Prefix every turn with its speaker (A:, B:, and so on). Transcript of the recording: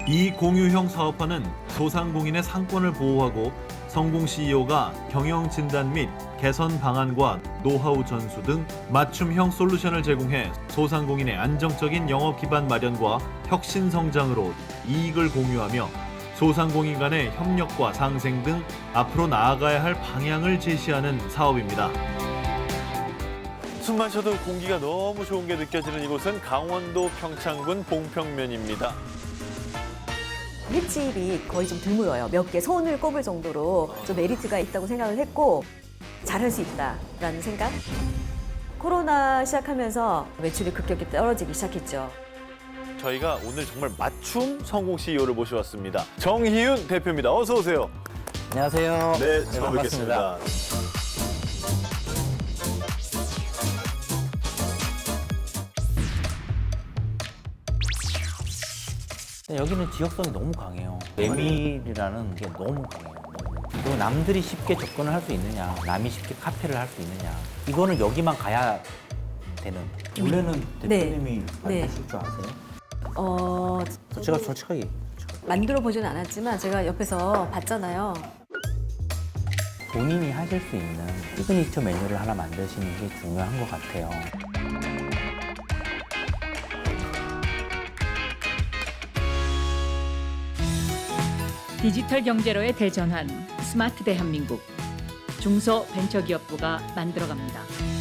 A: 이 공유형 사업화는 소상공인의 상권을 보호하고 성공 CEO가 경영 진단 및 개선 방안과 노하우 전수 등 맞춤형 솔루션을 제공해 소상공인의 안정적인 영업 기반 마련과 혁신 성장으로 이익을 공유하며 소상공인 간의 협력과 상생 등 앞으로 나아가야 할 방향을 제시하는 사업입니다.
B: 숨만 쉬어도 공기가 너무 좋은 게 느껴지는 이곳은 강원도 평창군 봉평면입니다.
C: 횟집이 거의 좀 드물어요. 몇 개 손을 꼽을 정도로 좀 메리트가 있다고 생각을 했고 잘할 수 있다라는 생각. 코로나 시작하면서 매출이 급격히 떨어지기 시작했죠.
B: 저희가 오늘 정말 맞춤 성공 CEO를 모셔왔습니다. 정희윤 대표입니다. 어서 오세요.
D: 안녕하세요.
B: 네, 처음
D: 반갑습니다.
B: 뵙겠습니다.
D: 여기는 지역성이 너무 강해요. 메밀이라는 게 너무 강해요. 그리고 남들이 쉽게 접근을 할 수 있느냐, 남이 쉽게 카페를 할 수 있느냐. 이거는 여기만 가야 되는. 원래는 대표님이
C: 네.
D: 하실 줄 아세요?
C: 저도
D: 제가 솔직하게
C: 만들어 보지는 않았지만 제가 옆에서 봤잖아요.
D: 본인이 하실 수 있는 시그니처 메뉴를 하나 만드시는 게 중요한 것 같아요.
E: 디지털 경제로의 대전환 스마트 대한민국 중소벤처기업부가 만들어갑니다.